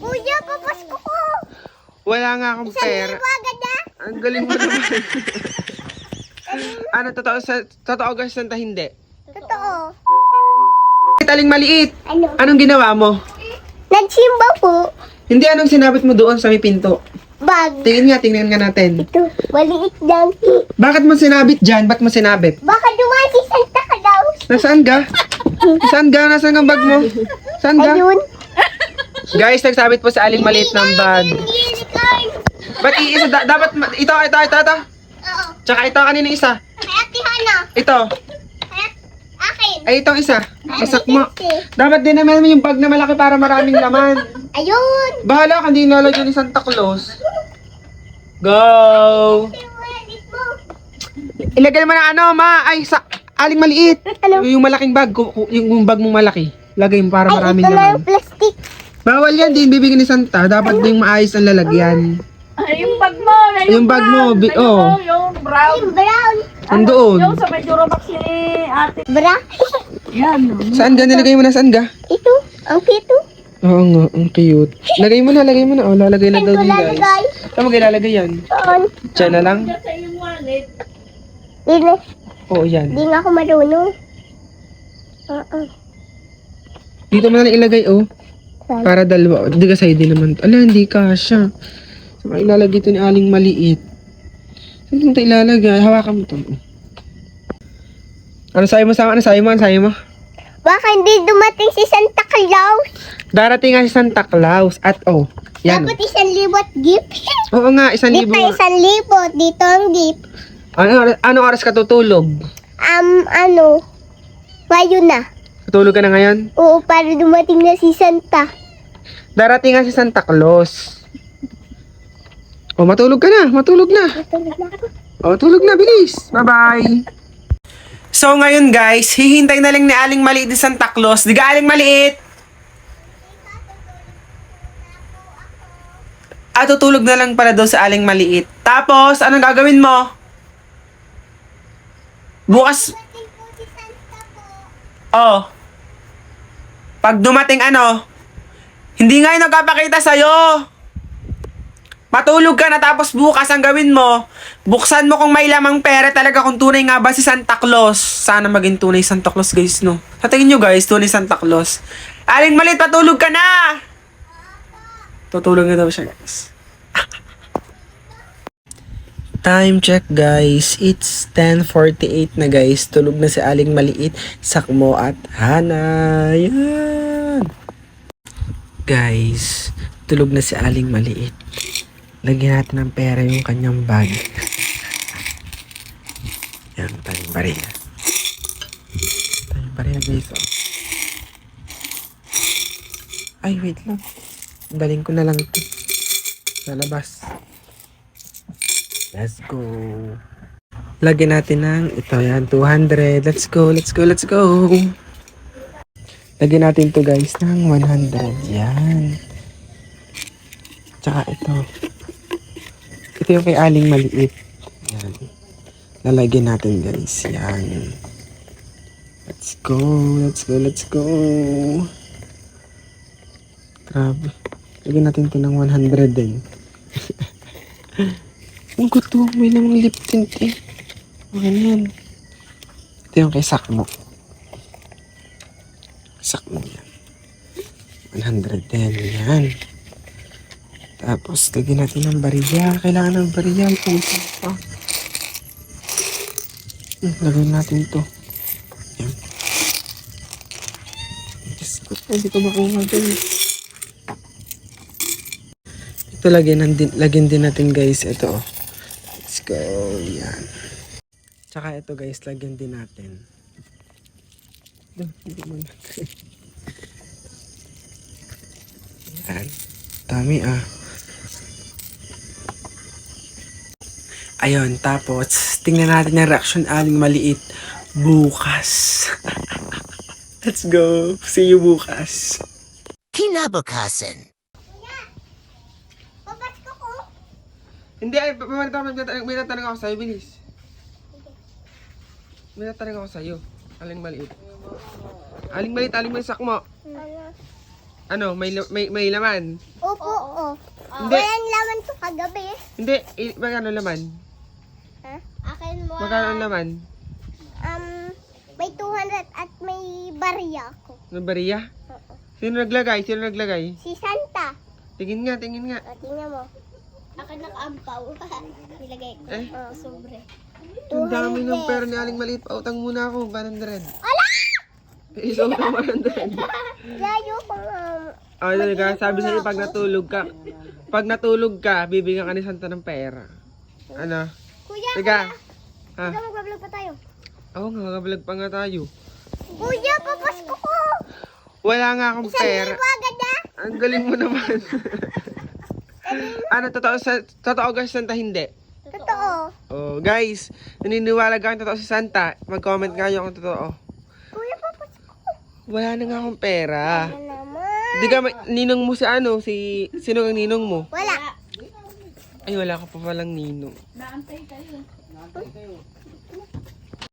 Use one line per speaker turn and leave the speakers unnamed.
Kuya, papasko ko.
Wala nga akong pera.
1,000 agad na.
Ang galing mo naman. Ano, totoo guys, Santa hindi?
Totoo.
Aling maliit.
Ano?
Anong ginawa mo?
Nagsimba po.
Hindi, anong sinabit mo doon sa may pinto?
Bag.
Tingnan nga natin.
Ito, maliit lang.
Bakit mo sinabit dyan? Ba't mo sinabit?
Baka dumaan si Santa Claus.
Nasaan ka? Saan ka? Nasaan ang bag mo? Saan ka?
Ayun.
Guys, nagsabit po sa aling maliit ng bag. Ba't iisa? Dapat, ito.
Oo.
Tsaka ito, kanino isa?
Kay Ate Hana.
Ito.
Kay akin.
Ay, itong isa. Isak mo. Dapat din naman yung bag na malaki para maraming laman.
Ayun.
Bahala ka, hindi nalagyan ni Santa Claus. Go! Ilagay mo ng ano, ma. Ay, sa aling maliit.
Ano?
Yung malaking bag. Yung bag mong malaki. Lagay mo para maraming
Ito na
laman.
yung plastic.
Bawal yan, din bibigyan ni Santa. Dapat din maayos ang lalagyan.
Ay, yung bag mo, na
Yung bag mo, oh.
yung brown.
Yung brown.
Andoon.
Yung sa may Duromax ni ate.
Bra.
Yan.
Saan ka? Nilagay mo na saan ka?
Ito. Ang pito.
Oo nga, ang cute. Lagay mo na. Oh, lalagay na
Saan
daw
ko
din
lalagay?
guys. Saan mo ilalagay yan?
Doon.
Diyan na lang?
Sa iyong wallet.
Dili.
Oo, yan.
Di nga ako marunong. Oo.
Dito mo na lang ilagay, oh.
Saan?
Para dalawa. Hindi ka side naman. Ala, hindi kasha. Saan ka ilalagay ito ni aling maliit? Saan mo ito ilalagay? Hawakan mo ito. Ano sayo mo? Ano sayo mo?
Baka hindi dumating si Santa Claus.
Darating nga si Santa Claus. At oh, yan.
Dapat 1,000 gift.
Oo nga, 1,000
Dito
nga.
1,000. Dito ang gift.
Ano oras ka tutulog?
Ano? Mayo na.
Tutulog ka na ngayon?
Oo, para dumating na si Santa.
Darating nga si Santa Claus. Oh, matulog ka na. Matulog na.
Matulog na ako.
Oh, tulog na. Bilis. Bye-bye. So, ngayon guys, hihintay na lang ni Aling Maliit ni Santa Claus. Di ka, Aling Maliit? Tutulog na lang pala daw sa Aling Maliit. Tapos, anong gagawin mo? Bukas,
Dumating po si Santa po.
oh. Pag dumating hindi nga yung nagpapakita sa'yo. Matulog ka na tapos bukas ang gawin mo, buksan mo kung may lamang pera talaga kung tunay nga ba si Santa Claus. Sana maging tunay Santa Claus guys, no? Sa tingin nyo guys, tunay Santa Claus. Aling Maliit, patulog ka na! Tutulog na daw siya guys. Time check guys, it's 10:48 na guys. Tulog na si Aling Maliit, Sakmo at Hana. Yan! Guys, tulog na si Aling Maliit. Lagyan natin ng pera yung kanyang bag. Yan, tayong bariya. Tayong bariya guys, oh. Ay, wait lang. Daling ko na lang ito. Sa labas. Let's go. Lagyan natin ng ito yan, 200. Let's go. Lagyan natin to guys ng 100. Yan. Tsaka ito. Ito yung kay Aling Maliit. Yan. Lalagyan natin guys. Yan. Let's go. Grabe. Lagyan natin to ng 100 din. Ang gusto, may namang lip tint eh. Okay na yan. Ito yung kay Sakmo. Sakmo yan. 100 din. Yan. Tapos, lagyan natin ng bariya. Kailangan ng bariya. Lagyan natin ito. Yan. Diyos ko, hindi ko makuha din. Ito, lagyan din natin guys. Ito, oh. Let's go. Yan. Tsaka ito guys, lagyan din natin. Yan. Dami ah. Ayun, tapos tingnan natin yung reaction Aling Maliit bukas. Let's go. See you bukas.
Kinabukasan.
Papasko ko.
Hindi, ay, may natanong ako sa'yo, bilis. May natanong ako sa'yo. Aling Maliit. Aling Maliit, Sakmo. Ano, may laman?
Oo, Opo, oh.
Hindi.
Walang laman to kagabi.
Hindi, magkano laman?
Ha? Akin mo.
Magkano ang laman?
May 200 at may barya ako.
Ano, bariya?
Oo.
Sino naglagay? Sino naglagay?
Si Santa.
Tingin nga, tingin nga.
O, tingnan mo. Akin nakaampaw. Nilagay ko.
Eh?
Sobre.
Ang dami ng pera ni Aling Maliit. Pautang muna ako, 100.
Ala!
Isaw na 100.
Layo ko
Talaga, sabi sa'yo, pag natulog ka, bibigyan ka ni Santa ng pera. Ano?
Kuya,
Teka. Ha?
kuya, magbablog pa tayo.
Oo nga, mag-vlog pa nga tayo.
Kuya, papasko ko.
Wala nga akong pera.
1,000 agad ah.
Ang galing mo naman. Ano, totoo ka si Santa, hindi?
Totoo.
Oh, guys, naniniwala ka kung totoo si Santa? Mag-comment kayo kung totoo.
Kuya, papasko ko.
Wala na nga akong pera.
Ano naman?
Di ka, ninong mo si ano, sino ang ninong mo?
Wala.
Ay, wala ka pa palang ninong.
Naantay kayo.